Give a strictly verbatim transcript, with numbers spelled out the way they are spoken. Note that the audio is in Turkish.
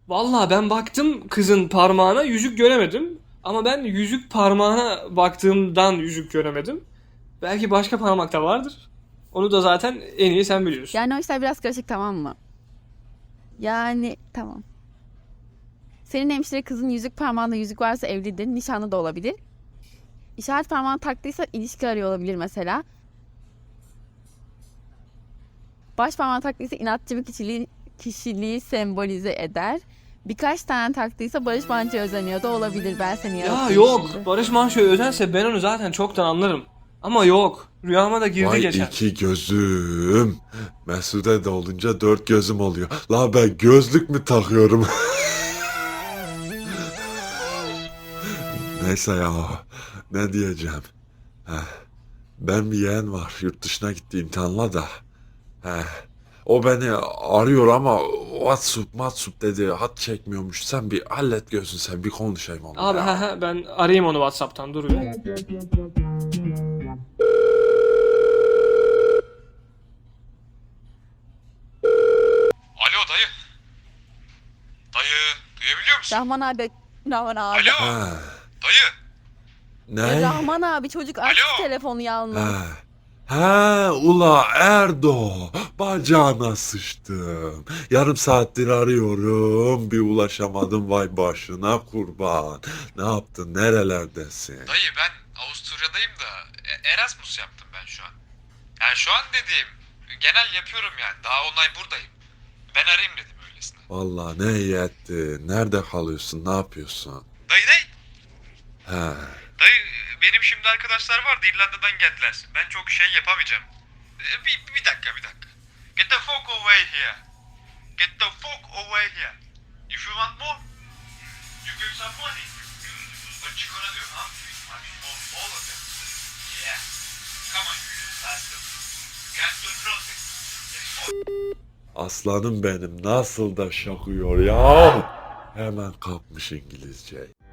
Vallahi ben baktım kızın parmağına, yüzük göremedim. Ama ben yüzük parmağına baktığımdan yüzük göremedim. Belki başka parmakta vardır. Onu da zaten en iyi sen biliyorsun. Yani o işler biraz karışık, tamam mı? Yani tamam. Senin hemşire kızın yüzük parmağında yüzük varsa evlidir, nişanlı da olabilir. İşaret parmağını taktıysa ilişki arıyor olabilir mesela. Baş parmağını taktıysa inatçı bir kişiliği, kişiliği sembolize eder. Birkaç tane taktıysa Barış Manço'ya özeniyor da olabilir. Ben seni Ya yarattım yok, şimdi. Barış Manço'ya özense ben onu zaten çoktan anlarım. Ama yok, rüyama da girdi Vay geçen. iki gözüm. Mesude de olunca dört gözüm oluyor. La ben gözlük mü takıyorum? Neyse ya. Ne diyeceğim? Heh. Ben bir yeğen var. Yurt dışına gitti imtihanla da. Heh. O beni arıyor ama WhatsApp, WhatsApp dedi. Hat çekmiyormuş. Sen bir hallet gözün sen bir konuşayım onunla Abi ya. he he ben arayayım onu WhatsApp'tan, dur bir. Alo dayı. Dayı duyabiliyor musun? Rahman abi, Rahman abi. Alo Ha. dayı. Ya Ne? Rahman abi, çocuk açtı Alo. telefonu yalnız. Ha. Ha ula Erdo, bacağına sıçtım. Yarım saattir arıyorum, bir ulaşamadım, vay başına kurban. Ne yaptın, nerelerdesin? Dayı ben Avusturya'dayım da e- Erasmus yaptım ben şu an. Yani şu an dediğim genel yapıyorum yani. Daha onay buradayım. Ben arayayım dedim öylesine. Vallahi ne iyi ettin, nerede kalıyorsun, ne yapıyorsun? Dayı dayı. Ha. Dayı benim şimdi arkadaşlar vardı İrlanda'dan geldiler. Ben çok şey yapamayacağım. E, Bir, bir dakika bir dakika. Get the fuck away here. Get the fuck away here. If you want more, you give some money. But you gonna do, huh? All, all of them. Yeah. Come on, you bastard. Get to nothing. Aslanım benim nasıl da şakıyor ya. Hemen kapmış İngilizce.